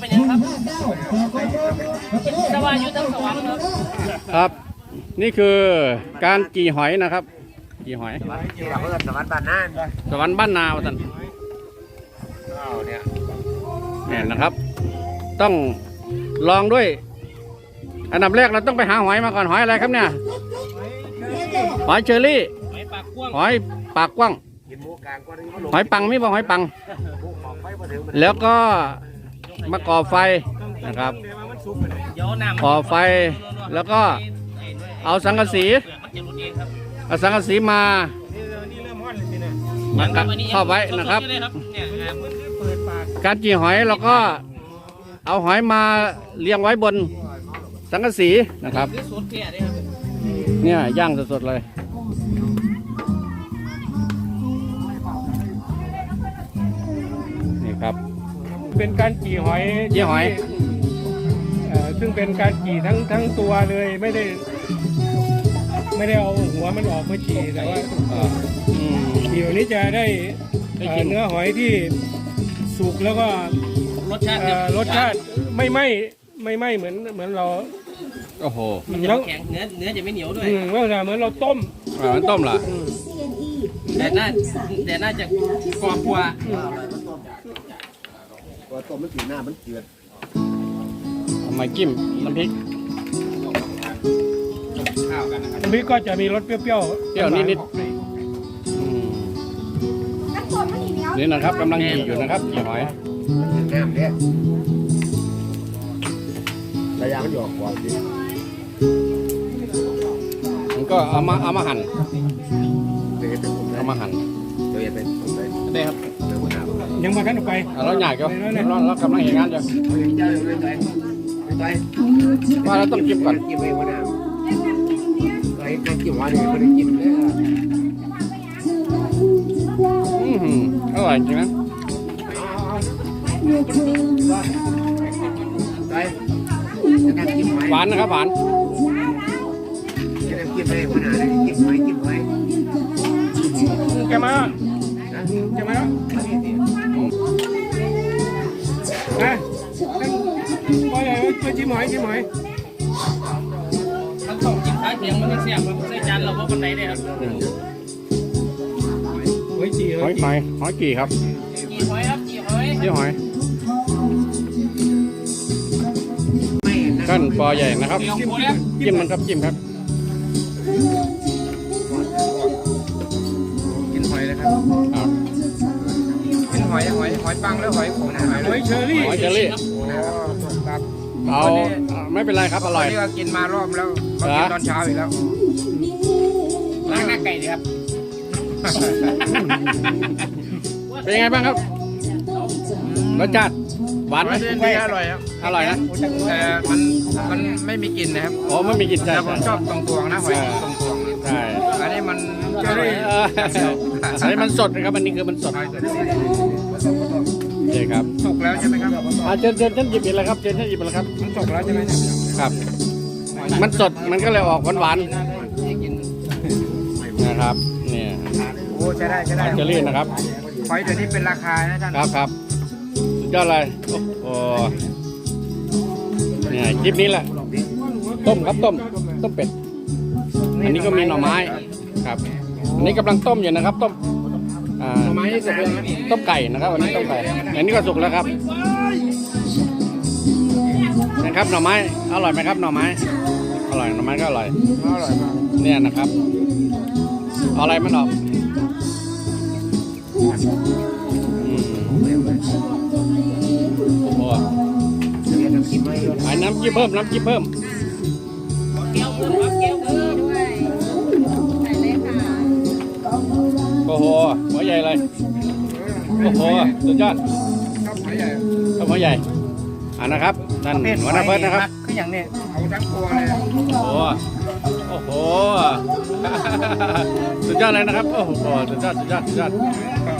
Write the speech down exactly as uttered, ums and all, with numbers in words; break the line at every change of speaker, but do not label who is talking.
เป็นยังครับสวรรค์อยู่ทั้งสวรรค์ครับ
ครับนี่คือการกี่หอยนะครับกี่หอย
สวรรค์สวรรค์บ้านนา
สวรรค์บ้านนาท่านเนี่ยนะครับต้องลองด้วยอันดับแรกเราต้องไปหาหอยมาก่อนหอยอะไรครับเนี่ยหอยเชอรี่หอยปากกว้างหอยปังไม่บอกหอยปังแล้วก็มาก่อไฟนะครับก่อไฟแล้วก็เอาสังกะสีเอาสังกะสีมาเข้าไว้นะครับการจีหอยเราก็เอาหอยมาเรียงไว้บนสังกะสีนะครับเนี่ยย่างสดๆเลยนี่ครับ
เป็นการจีหอย
จีหอย
ซึ่งเป็นการจีทั้งทั้งตัวเลยไม่ได้ไม่ได้เอาหัวมันออกมาจีแต่ว่าจีแบบนี้จะได้เนื้อหอยที่สุกแล้วก็
รสชาติ
รสชาติไม่ไหม้ไม่ไหม้เหมือนเหมือนเรา
โอ้โห
มันจะแข็งเนื้อเนื้อจะไม่เหนียวด้วย
เมื่อเหมือนเราต้ม
อ่ามันต้มเหรอ
แต่น่าแต่น่าจะกรอบกว่า
ตัวต้มมันสีหน้ามันเจือด
ทำไมจิ้มน้ำพริก
ข้าวกันนะครับน้ำพริกก็จะมีรสเปรี้ยวๆ
เปรี้ยวนิดๆนี่นะครับกำลังจีอยู่นะครับจีหอย
น้ำเนี่ยระยะมันหยอกกว่าสิ
มันก็เอามาเอามาหั่นเอามาหั่น
ตัวใหญ่เป็นตัวใหญ่
ได้ครับ
ยังมาขั้นออกไป
เราใหญ่ก็เราเรากำลังเห็นงานอยู่ว่าเราต้องจิ้มก่อน
จิ้มไว้ว่าน้ำไอ้การจิ้มว่าเนี่ยไม่ได้จิ้มเลย
อืมอร่อยจริงนะหวานนะครับหวาน
จิ้มไว้ว่าน้ำจิ้มไว้จิ้มไว้
แกมาแกมาแล้วนะปล่อยเลยไปจิ้มหอยจิ้มหอย
ทั้งสองจิ้มท้ายเถียงมันเสียบมันใส่จานเราว่าคนไหนได้ครับ
หอยจี
หอยหอยหอยกี่ครับ
จีหอยครับจีหอย
จีหอยกั้นปอใหญ่นะครับจิ้มมันครับจิ้มครับ
กินหอยนะครับกินหอยหอยหอยปังแล้วหอยผม
หอยเชอรี่
หอยเชอรี่เอาไม่เป็นไรครับอร่อย
นี่ก็กินมารอบแล้วก็กินตอนเช้าอีกแล้ว
ล้างหน้าไก่ดีครับ
เป็นยังไงบ้างครับรสชาติหวานไหม
อร่อยครับ
อร่อยนะ
แต่มันมันไม่มีกลิ่นนะครับ
อ๋อไม่มีกลิ่นใช่
ผมชอบตรงตวงนะหอยตรงตวง
ใช่
อันนี้มัน
อันนี้มันสดนะครับอันนี้คือมันสดใช่ครับ
สุกแล้วใช่ไหมครับ
อ่าเชิญเชิญท่านหยิบไปเลยครับเชิญท่านหยิบไปเลยครับ
มันสุกแล้วใช่ไหม
ครับมันสดมันก็เลยออกหวานหวานนะครับเนี่ย
โอ้ใช่ได้ใช่ได้
เชอรี่นะครับ
หอยเดี๋ยวนี้เป็นราคานะท่าน
ครับครับสุดยอดเลยโอ้เนี่ยคลิปนี้แหละต้มครับต้มต้มเป็ดอันนี้ก็มีหน่อไม้ครับอันนี้กำลังต้มอยู่นะครับต้มอ่าหน่อไม้สุกแล้วต้มไก่นะครับวันนี้ต้มไก่อันนี้ก็สุกแล้วครับนะครับหน่อไม้อร่อยไหมครับหน่อไม้อร่อยหน่อไม้ก็อร่อย
อร่อยมาก
เนี่ยนะครับเอาอะไรมันออกโอ้ยน้ำจิ้มเพิ่มน้ำจิ้มเพิ่ม
แก้วเพิ่มครับแก้วเพิ่มด้วยใส่เลยค่ะ
โอ้โหหัวใหญ่เลยโอ้โหสุดยอด
หัวใหญ่
หัวใหญ่อ่านะครับนั่นหัวหน้าเฟิร์สนะครับ
คืออย่างนี้เอาทั้งตัวเลย
โอ้โหโอ้โหสุดยอดเลยนะครับโอ้โหสุดยอดสุดยอดสุดยอด